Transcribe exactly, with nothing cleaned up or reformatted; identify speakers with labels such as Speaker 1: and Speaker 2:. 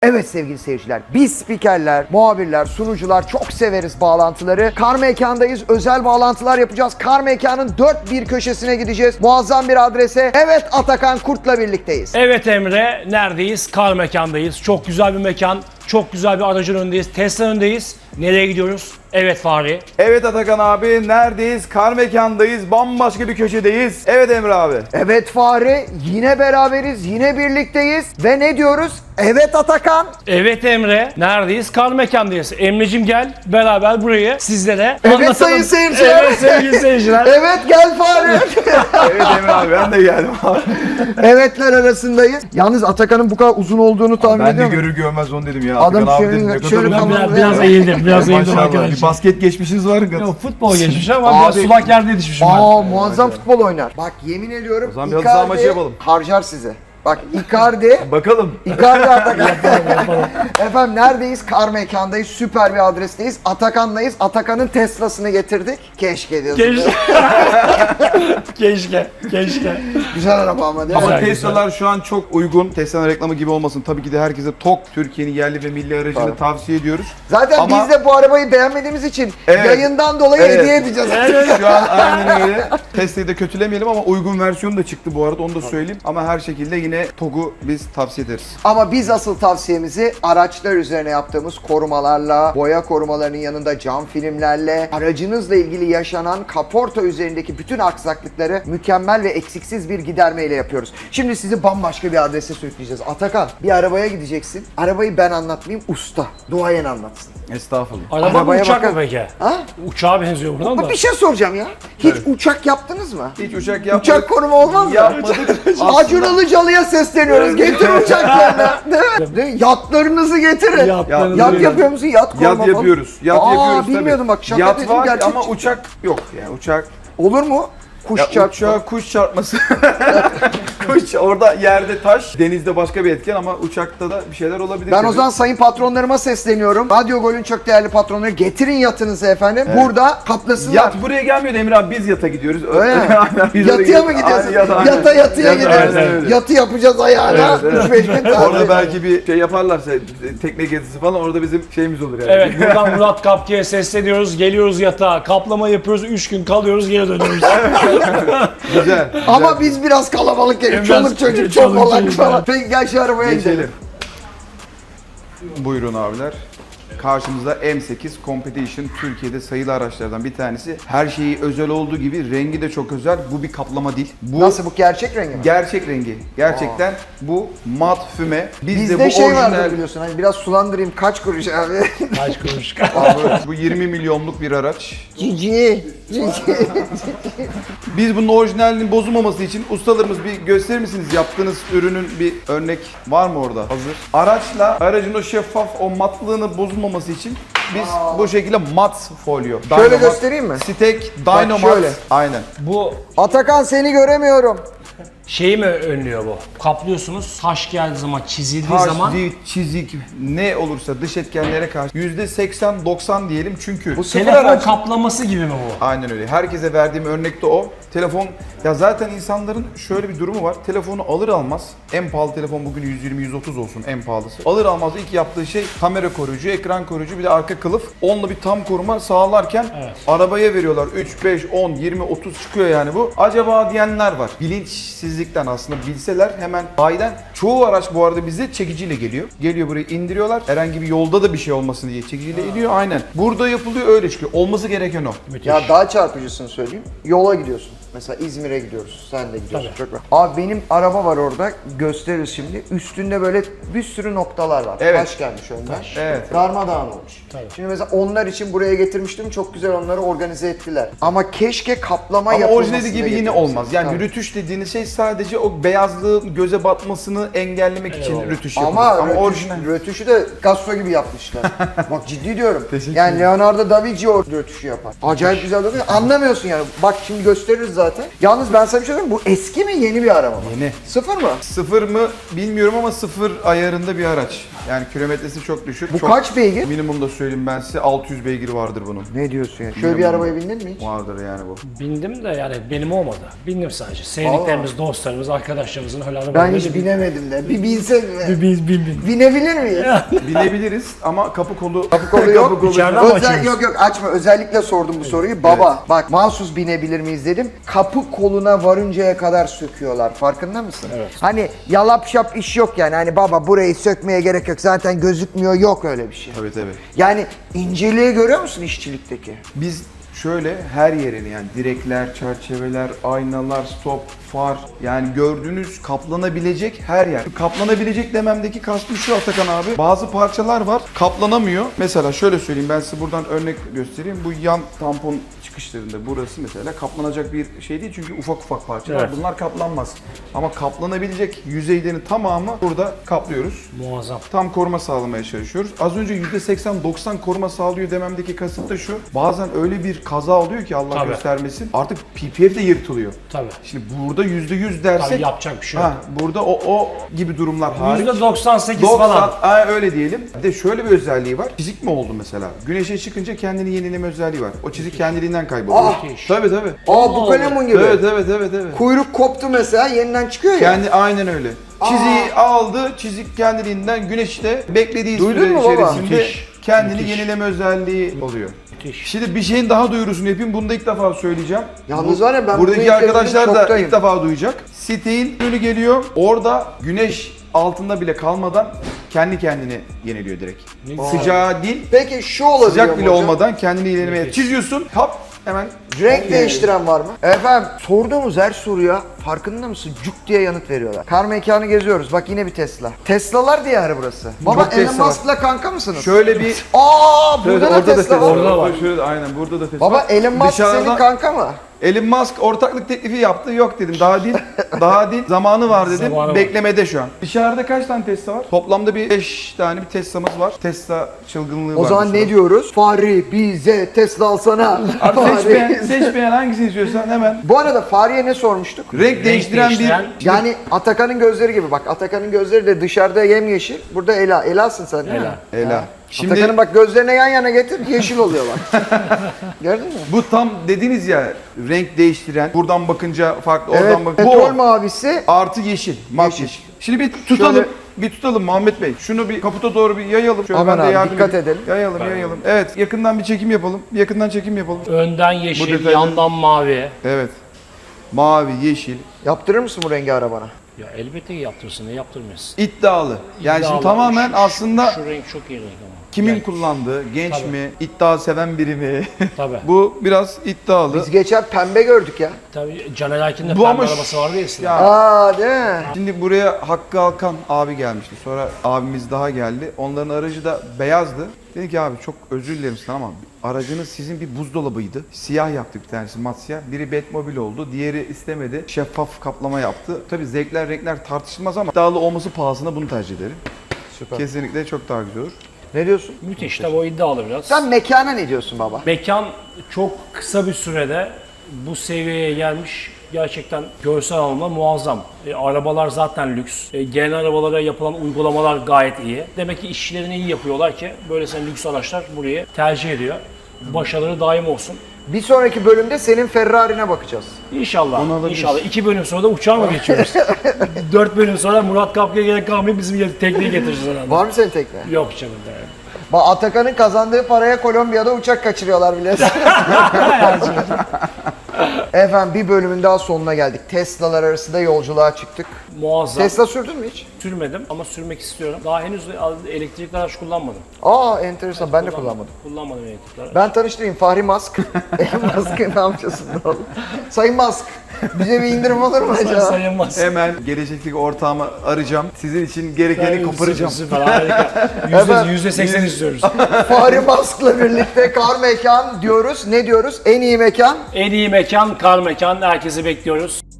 Speaker 1: Evet sevgili seyirciler, biz spikerler, muhabirler, sunucular çok severiz bağlantıları. Kar Mekan'dayız, özel bağlantılar yapacağız. Kar Mekan'ın dört bir köşesine gideceğiz. Muazzam bir adrese. Evet, Atakan Kurt'la birlikteyiz.
Speaker 2: Evet Emre, neredeyiz? Kar Mekan'dayız. Çok güzel bir mekan, çok güzel bir aracın önündeyiz. Tesla önündeyiz. Nereye gidiyoruz? Evet Fahri.
Speaker 3: Evet Atakan abi, neredeyiz? Kar Mekan'dayız, bambaşka bir köşedeyiz. Evet Emre abi.
Speaker 1: Evet Fahri, yine beraberiz, yine birlikteyiz. Ve ne diyoruz? Evet Atakan.
Speaker 2: Evet Emre, neredeyiz? Kar Mekan'dayız. Emre'cim gel, beraber burayı sizlere
Speaker 1: Evet
Speaker 2: anlatalım.
Speaker 1: sayın seyirciler.
Speaker 2: Evet sevgili seyirciler.
Speaker 1: Evet gel Fahri.
Speaker 3: Evet Emre abi, ben de geldim abi.
Speaker 1: Evetler arasındayız. Yalnız Atakan'ın bu kadar uzun olduğunu tahmin
Speaker 3: Ben de
Speaker 1: ediyor musun?
Speaker 3: görür görmez onu dedim ya.
Speaker 1: Adam
Speaker 3: Atakan abi
Speaker 1: şöyle-
Speaker 3: dedim, ne kadar
Speaker 1: şöyle
Speaker 3: uzun.
Speaker 2: Ben
Speaker 1: Tamam,
Speaker 2: biraz, biraz
Speaker 1: evet.
Speaker 2: eğildim, biraz eğildim
Speaker 3: Maşallah, bir
Speaker 2: arkadaşlar.
Speaker 3: basket geçmişiniz var.
Speaker 2: Yok, futbol geçmiş ama biraz
Speaker 1: Abi-
Speaker 2: sulak yerde yetişmişim ben.
Speaker 1: Aa muazzam futbol oynar. Bak yemin ediyorum
Speaker 3: O zaman bir halı saha maçı yapalım.
Speaker 1: harcar sizi. Bak Icardi,
Speaker 3: Bakalım.
Speaker 1: Icardi Atakan. Efendim neredeyiz? Kar Mekan'dayız. Süper bir adresteyiz. Atakan'dayız. Atakan'ın Tesla'sını getirdik. Keşke diyorsun.
Speaker 2: Keşke. keşke, keşke.
Speaker 1: Güzel araba ama değil mi?
Speaker 3: Ama
Speaker 2: Güzel,
Speaker 3: Tesla'lar şu an çok uygun. Tesla'nın reklamı gibi olmasın. Tabii ki de herkese TOG, Türkiye'nin yerli ve milli aracını
Speaker 1: Tabii.
Speaker 3: tavsiye ediyoruz.
Speaker 1: Zaten
Speaker 3: Ama-
Speaker 1: biz de bu arabayı beğenmediğimiz için
Speaker 3: Evet.
Speaker 1: yayından dolayı
Speaker 3: Evet.
Speaker 1: hediye edeceğiz.
Speaker 3: Şu an aynen öyle. Tesla'yı da kötülemeyelim ama uygun versiyonu da çıktı bu arada, onu da söyleyeyim. Ama her şekilde yine TOG'u biz tavsiye ederiz.
Speaker 1: Ama biz asıl tavsiyemizi araçlar üzerine yaptığımız korumalarla, boya korumalarının yanında cam filmlerle, aracınızla ilgili yaşanan kaporta üzerindeki bütün aksaklıkları mükemmel ve eksiksiz bir gidermeyle yapıyoruz. Şimdi sizi bambaşka bir adrese sürükleyeceğiz. Atakan, bir arabaya gideceksin. Arabayı ben anlatmayayım, usta, duayen anlatsın.
Speaker 3: Estağfurullah.
Speaker 2: Araba mı
Speaker 1: Arabaya
Speaker 2: uçak
Speaker 1: bakın.
Speaker 2: mı peki?
Speaker 1: Ha?
Speaker 2: Uçağa benziyor buradan da.
Speaker 1: Bak bir şey soracağım ya. Hiç
Speaker 3: Evet.
Speaker 1: uçak yaptınız mı?
Speaker 3: Hiç uçak yapmadık.
Speaker 1: Uçak koruma olmaz mı?
Speaker 3: Yapmadık.
Speaker 1: Acun Ilıcalı'ya sesleniyoruz. Getir uçaklarını. Değil mi? Değil mi? Yatlarınızı getirin.
Speaker 2: Yatlarınızı
Speaker 1: Yat
Speaker 2: getirin.
Speaker 1: yapıyor musun? Yat koruma
Speaker 3: Yat
Speaker 1: falan.
Speaker 3: yapıyoruz. Yat
Speaker 1: Aa,
Speaker 3: yapıyoruz tabii.
Speaker 1: bilmiyordum bak, şaka
Speaker 3: Yat
Speaker 1: dedim,
Speaker 3: var
Speaker 1: gerçek
Speaker 3: ama
Speaker 1: çıktı.
Speaker 3: uçak yok. Yani uçak
Speaker 1: Olur mu? Kuş
Speaker 3: ya
Speaker 1: çarpma.
Speaker 3: uçağa kuş çarpması. Kuş orada yerde taş, denizde başka bir etken ama uçakta da bir şeyler olabilir.
Speaker 1: Ben
Speaker 3: tabii.
Speaker 1: o zaman sayın patronlarıma sesleniyorum. Radyo Gol'ün çok değerli patronları, getirin yatınızı efendim. Burada kaplasınlar.
Speaker 3: Yat buraya gelmiyor Emre abi, biz yata gidiyoruz.
Speaker 1: Öyle mi?
Speaker 3: Aynen, biz oraya
Speaker 1: Yatıya mı
Speaker 3: gidiyoruz.
Speaker 1: gidiyorsun?
Speaker 3: Aynen,
Speaker 1: Yata yatıya
Speaker 3: Yata,
Speaker 1: gidiyoruz.
Speaker 3: aynen öyle.
Speaker 1: Yatı yapacağız ayağına.
Speaker 3: Evet, evet.
Speaker 1: üç beş gün tatil.
Speaker 3: Orada belki bir şey yaparlarsa, tekne gezisi falan, orada bizim şeyimiz olur yani.
Speaker 2: Evet, buradan Murat Kapki'ye sesleniyoruz. Geliyoruz yatağa, kaplama yapıyoruz, üç gün kalıyoruz, geri dönüyoruz.
Speaker 3: Güzel.
Speaker 1: Ama biz biraz kalabalık gelip
Speaker 2: Biraz-
Speaker 1: çoluk çocuk çok
Speaker 2: çoluk
Speaker 1: olan
Speaker 2: çocuk
Speaker 1: falan.
Speaker 2: var.
Speaker 1: Peki gel şu arabaya gidelim.
Speaker 3: Geçelim. Buyurun abiler. Karşımızda M sekiz Competition, Türkiye'de sayılı araçlardan bir tanesi. Her şeyi özel olduğu gibi rengi de çok özel. Bu bir kaplama değil. Bu
Speaker 1: Nasıl, bu gerçek rengi mi?
Speaker 3: gerçek rengi. Gerçekten bu mat füme. Bizde
Speaker 1: Bizde
Speaker 3: bu
Speaker 1: şey
Speaker 3: orijinal.
Speaker 1: vardı biliyorsun, hani biraz sulandırayım, kaç kuruş abi?
Speaker 2: Kaç kuruş.
Speaker 3: Bu yirmi milyonluk bir araç.
Speaker 1: Cici. Cici.
Speaker 3: Biz bunun orijinalinin bozulmaması için ustalarımız, bir gösterir misiniz? Yaptığınız ürünün bir örnek var mı orada? Hazır. Araçla aracın o şeffaf, o matlığını bozulmaması için biz bu şekilde mat folyo.
Speaker 1: Şöyle
Speaker 3: Dynomat,
Speaker 1: göstereyim mi?
Speaker 3: Stek,
Speaker 1: Bak
Speaker 3: Dynomat.
Speaker 1: şöyle.
Speaker 3: Aynen.
Speaker 2: Bu
Speaker 1: Atakan, seni göremiyorum.
Speaker 2: şeyi mi önlüyor bu? Kaplıyorsunuz, taş geldiği zaman, çizildiği
Speaker 3: Taş,
Speaker 2: zaman
Speaker 3: zift, çizik, ne olursa dış etkenlere karşı yüzde seksen doksan diyelim, çünkü
Speaker 1: Bu sıfır
Speaker 2: telefon
Speaker 1: araç.
Speaker 2: kaplaması gibi mi bu?
Speaker 3: aynen öyle. Herkese verdiğim örnek de o. Telefon, ya zaten insanların şöyle bir durumu var. Telefonu alır almaz, en pahalı telefon bugün yüz yirmi yüz otuz olsun en pahalısı. Alır almaz ilk yaptığı şey kamera koruyucu, ekran koruyucu, bir de arka kılıf. Onunla bir tam koruma sağlarken
Speaker 2: Evet.
Speaker 3: arabaya veriyorlar. üç, beş, on, yirmi, otuz çıkıyor yani bu. Acaba diyenler var. Bilinçsizlikten, aslında bilseler hemen bayiden. Çoğu araç bu arada bize çekiciyle geliyor. Geliyor buraya indiriyorlar. Herhangi bir yolda da bir şey olmasın diye çekiciyle iniyor. Aynen. Burada yapılıyor, öyle çıkıyor. Olması gereken o.
Speaker 2: Müthiş.
Speaker 1: Ya daha çarpıcısını söyleyeyim. Yola gidiyorsun. Mesela İzmir'e gidiyoruz. Sen de gidiyorsun.
Speaker 2: Tabii.
Speaker 1: Çok rahat. Abi benim araba var orada. Gösteririz şimdi. Üstünde böyle bir sürü noktalar var.
Speaker 3: Evet.
Speaker 1: Taş gelmiş önden.
Speaker 2: Taş.
Speaker 3: Evet.
Speaker 1: Darmadağın olmuş.
Speaker 2: Tabii.
Speaker 1: Şimdi mesela onlar için buraya getirmiştim. Çok güzel onları organize ettiler. Ama keşke kaplama
Speaker 3: Ama
Speaker 1: yapılmasını
Speaker 3: orijinali gibi yine
Speaker 1: getirmişler.
Speaker 3: olmaz. Yani
Speaker 1: Tabii.
Speaker 3: rötuş dediğiniz şey sadece o beyazlığın göze batmasını engellemek için
Speaker 2: Eyvallah.
Speaker 3: rötuş yapılır.
Speaker 1: Ama,
Speaker 3: Ama
Speaker 1: rötuş,
Speaker 3: orijinal.
Speaker 1: rötuşu da Picasso gibi yapmışlar. Bak ciddi diyorum.
Speaker 3: Teşekkür
Speaker 1: Yani Leonardo da Vinci o rötuşu yapar. Acayip güzel dokunuyor. Anlamıyorsun yani. Bak şimdi gösteririz zaten. Yalnız ben sana bir şey söyleyeyim mi? Bu eski mi yeni bir araba mı?
Speaker 3: Yeni.
Speaker 1: Sıfır mı?
Speaker 3: Sıfır mı bilmiyorum ama sıfır ayarında bir araç. Yani kilometresi çok düşük.
Speaker 1: Bu
Speaker 3: çok,
Speaker 1: kaç beygir?
Speaker 3: Minimum da söyleyeyim ben size altı yüz beygir vardır bunun.
Speaker 1: Ne diyorsun ya? Şöyle bir
Speaker 3: Minimum.
Speaker 1: arabaya bindin mi hiç?
Speaker 3: Vardır yani bu.
Speaker 2: Bindim de yani benim olmadı. Bindim sadece. Sevdiklerimiz, dostlarımız, arkadaşlarımızın öyle
Speaker 1: Ben
Speaker 2: arabalarına
Speaker 1: hiç
Speaker 2: bindim.
Speaker 1: binemedim de. Bir binsek mi?
Speaker 2: Bir bin bin bin.
Speaker 1: Binebilir miyiz?
Speaker 3: Binebiliriz ama kapı kolu...
Speaker 1: Kapı kolu yok.
Speaker 3: Kapı kolu-
Speaker 2: İçeriden mi
Speaker 1: Özel,
Speaker 2: açıyoruz?
Speaker 1: yok yok açma. Özellikle sordum bu soruyu. Baba bak mahsus binebilir miyiz dedim. Kapı koluna varıncaya kadar söküyorlar. Farkında mısın?
Speaker 2: Evet.
Speaker 1: Hani yalap şap iş yok yani. Hani baba burayı sökmeye gerek yok. Zaten gözükmüyor. Yok öyle bir şey.
Speaker 3: Tabii tabii.
Speaker 1: Yani inceliği görüyor musun işçilikteki?
Speaker 3: Biz şöyle her yerini yani direkler, çerçeveler, aynalar, stop, far yani gördüğünüz kaplanabilecek her yer. Kaplanabilecek dememdeki kastım şu Atakan abi. Bazı parçalar var kaplanamıyor. Mesela şöyle söyleyeyim ben size buradan örnek göstereyim. Bu yan tampon çıkışlarında burası mesela kaplanacak bir şey değil çünkü ufak ufak parçalar.
Speaker 2: Evet.
Speaker 3: Bunlar kaplanmaz. Ama kaplanabilecek yüzeylerin tamamı burada kaplıyoruz.
Speaker 2: Muazzam.
Speaker 3: Tam koruma sağlamaya çalışıyoruz. Az önce yüzde seksen doksan koruma sağlıyor dememdeki kasıt da şu. Bazen öyle bir kaza oluyor ki Allah
Speaker 2: Tabii.
Speaker 3: göstermesin. Artık P P F de yırtılıyor.
Speaker 2: Tabii.
Speaker 3: Şimdi burada yüzde yüz dersek
Speaker 2: Tabii yapacak bir şey yok.
Speaker 3: ha, burada o o gibi durumlar hariç.
Speaker 2: yüzde doksan sekiz
Speaker 3: doksan,
Speaker 2: falan.
Speaker 3: ha, öyle diyelim. Bir de şöyle bir özelliği var. Çizik mi oldu mesela? Güneşe çıkınca kendini yenileme özelliği var. O çizik kendiliğinden kayboluyor.
Speaker 1: Ah!
Speaker 3: Tabii tabii.
Speaker 1: Aa bu kalemun gibi.
Speaker 3: Evet evet evet evet.
Speaker 1: Kuyruk koptu mesela yeniden çıkıyor ya.
Speaker 3: Kendi aynen öyle. Çiziği aldı, çizik kendiliğinden güneşte beklediği
Speaker 1: Duydun
Speaker 3: süre
Speaker 1: mu baba?
Speaker 3: içerisinde
Speaker 2: Müthiş,
Speaker 3: kendini
Speaker 2: müthiş.
Speaker 3: yenileme özelliği oluyor.
Speaker 2: Müthiş.
Speaker 3: Şimdi bir şeyin daha duyurusunu yapayım. Bunu da ilk defa söyleyeceğim.
Speaker 1: Yalnız var ya ben bunu
Speaker 3: Buradaki
Speaker 1: ilk
Speaker 3: arkadaşlar
Speaker 1: dedim,
Speaker 3: da
Speaker 1: şoktayım.
Speaker 3: ilk defa duyacak. Sitein önü geliyor. Orada güneş altında bile kalmadan kendi kendini yeniliyor direkt.
Speaker 2: Ne-
Speaker 3: Sıcağı değil,
Speaker 1: Peki şu olabiliyor
Speaker 3: sıcak bile
Speaker 1: mu hocam?
Speaker 3: olmadan kendini yenilemeye
Speaker 2: Müthiş.
Speaker 3: çiziyorsun. Hop hemen
Speaker 1: Renk değiştiren var mı? Efendim sorduğumuz her soruya farkında mısın? Cuk diye yanıt veriyorlar. Kar mekanı geziyoruz. Bak yine bir Tesla. Tesla'lar diyarı burası. Baba
Speaker 3: Çok
Speaker 1: Elon
Speaker 3: Tesla var.
Speaker 1: Musk'la kanka mısınız?
Speaker 3: şöyle bir
Speaker 1: Aa burada
Speaker 3: Evet,
Speaker 1: da
Speaker 3: orada
Speaker 1: Tesla, var.
Speaker 2: Orada var.
Speaker 3: Şöyle, aynen burada da Tesla
Speaker 1: Baba
Speaker 3: var.
Speaker 1: Elon Musk
Speaker 3: Dışarıda-
Speaker 1: senin kanka mı?
Speaker 3: Elon Musk ortaklık teklifi yaptı. Yok dedim. Daha değil. Daha değil. Zamanı var dedim.
Speaker 2: Zamanı var.
Speaker 3: Beklemede şu an. Dışarıda kaç tane Tesla var? Toplamda bir beş tane bir Tesla'mız var. Tesla çılgınlığı var.
Speaker 1: O zaman ne diyoruz? Fahri bize Tesla alsana.
Speaker 3: Abi
Speaker 1: Fahri.
Speaker 3: seçmeyen, seçmeyen hangisini istiyorsan hemen.
Speaker 1: Bu arada Fahri'ye ne sormuştuk?
Speaker 3: Renk, değiştiren,
Speaker 2: değiştiren-
Speaker 3: bir...
Speaker 1: Yani Atakan'ın gözleri gibi bak Atakan'ın gözleri de dışarıda yemyeşil. Burada Ela. Ela'sın sen değil mi?
Speaker 2: Ela.
Speaker 3: Ela. Şimdi
Speaker 1: Atakan'ın bak gözlerine yan yana getir yeşil oluyor bak. Gördün mü?
Speaker 3: bu tam dediniz ya renk değiştiren. Buradan bakınca farklı,
Speaker 1: Evet
Speaker 3: oradan bak.
Speaker 1: petrol
Speaker 3: Bu
Speaker 1: mavisi.
Speaker 3: artı yeşil. Mat
Speaker 1: Yeşil.
Speaker 3: yeşil. Şimdi bir tutalım.
Speaker 1: Şöyle-
Speaker 3: Bir tutalım Muhammed Bey. Şunu bir kaputa doğru bir yayalım. Şöyle
Speaker 1: Aman
Speaker 3: ben de
Speaker 1: abi,
Speaker 3: yardım
Speaker 1: dikkat
Speaker 3: edeyim.
Speaker 1: edelim.
Speaker 3: Yayalım,
Speaker 2: Ben-
Speaker 3: yayalım. Evet, yakından bir çekim yapalım. Bir yakından çekim yapalım.
Speaker 2: Önden
Speaker 3: Bu
Speaker 2: yeşil,
Speaker 3: detayları-
Speaker 2: yandan mavi.
Speaker 3: Evet. Mavi, yeşil.
Speaker 1: Yaptırır mısın bu rengi arabana?
Speaker 2: Ya elbette ki yaptırsın, ne yaptırmıyorsun?
Speaker 3: İddialı. Yani şimdi
Speaker 2: İddialı.
Speaker 3: tamamen
Speaker 2: Şu-
Speaker 3: aslında
Speaker 2: Şu renk çok iyi renk ama.
Speaker 3: kimin
Speaker 2: Yani,
Speaker 3: kullandığı, genç
Speaker 2: Tabii.
Speaker 3: mi, iddia seven biri mi?
Speaker 2: Tabii.
Speaker 3: Bu biraz iddialı.
Speaker 1: Biz geçen pembe gördük ya.
Speaker 2: Tabii Caner Erkin'de
Speaker 3: Bu
Speaker 2: pembe
Speaker 3: ama ş-
Speaker 2: arabası vardı ya eskiden.
Speaker 3: Ya.
Speaker 1: Aa değil mi?
Speaker 3: Şimdi buraya Hakkı Alkan abi gelmişti. Sonra abimiz daha geldi. Onların aracı da beyazdı. Dedi ki abi çok özür dilerim sana ama aracınız sizin bir buzdolabıydı. Siyah yaptık bir tanesi mat siyah. Biri Batmobile oldu. Diğeri istemedi. Şeffaf kaplama yaptı. Tabii zevkler renkler tartışılmaz ama iddialı olması pahasına bunu tercih ederim.
Speaker 1: Süper.
Speaker 3: Kesinlikle çok daha güzel olur.
Speaker 1: Ne diyorsun?
Speaker 2: Müthiş tabii o iddialı biraz.
Speaker 1: Sen mekana ne diyorsun baba?
Speaker 2: Mekan çok kısa bir sürede bu seviyeye gelmiş. Gerçekten görsel anlamda muazzam. E, arabalar zaten lüks. E, gelen arabalara yapılan uygulamalar gayet iyi. Demek ki işlerini iyi yapıyorlar ki böylesine lüks araçlar burayı tercih ediyor. Başarıları daim olsun.
Speaker 1: Bir sonraki bölümde senin Ferrari'ne bakacağız.
Speaker 2: İnşallah.
Speaker 3: Onu alabiliriz.
Speaker 2: İnşallah. İki bölüm sonra da uçağa mı geçiyoruz? Dört bölüm sonra Murat Kapkı'ya gerek kalmayıp bizim yer- tekneyi getireceğiz herhalde.
Speaker 1: Var mı senin tekne?
Speaker 2: Yok canım. Yani.
Speaker 1: Bak Atakan'ın kazandığı paraya Kolombiya'da uçak kaçırıyorlar biliyorsun. Efendim bir bölümün daha sonuna geldik. Tesla'lar arasında yolculuğa çıktık.
Speaker 2: Muazzam.
Speaker 1: Tesla sürdün mü hiç?
Speaker 2: Sürmedim ama sürmek istiyorum. Daha henüz elektrikli araç kullanmadım.
Speaker 1: Aa enteresan ben de kullanmadım.
Speaker 2: Kullanmadım elektrikli araç.
Speaker 1: Ben tanıştırayım Fahri Musk. Elon Musk'ın amcasında oğlum. Sayın Musk bize bir indirim olur mu acaba?
Speaker 2: Sayılmaz.
Speaker 3: Hemen gelecekteki ortağımı arayacağım. Sizin için gerekeni koparacağım.
Speaker 2: Süper, harika.
Speaker 1: Hemen-
Speaker 2: Yüzde, yüzde seksen istiyoruz.
Speaker 1: Fahri Musk'la birlikte kar mekan diyoruz. Ne diyoruz? En iyi mekan.
Speaker 2: En iyi mekan, kar mekan. Herkesi bekliyoruz.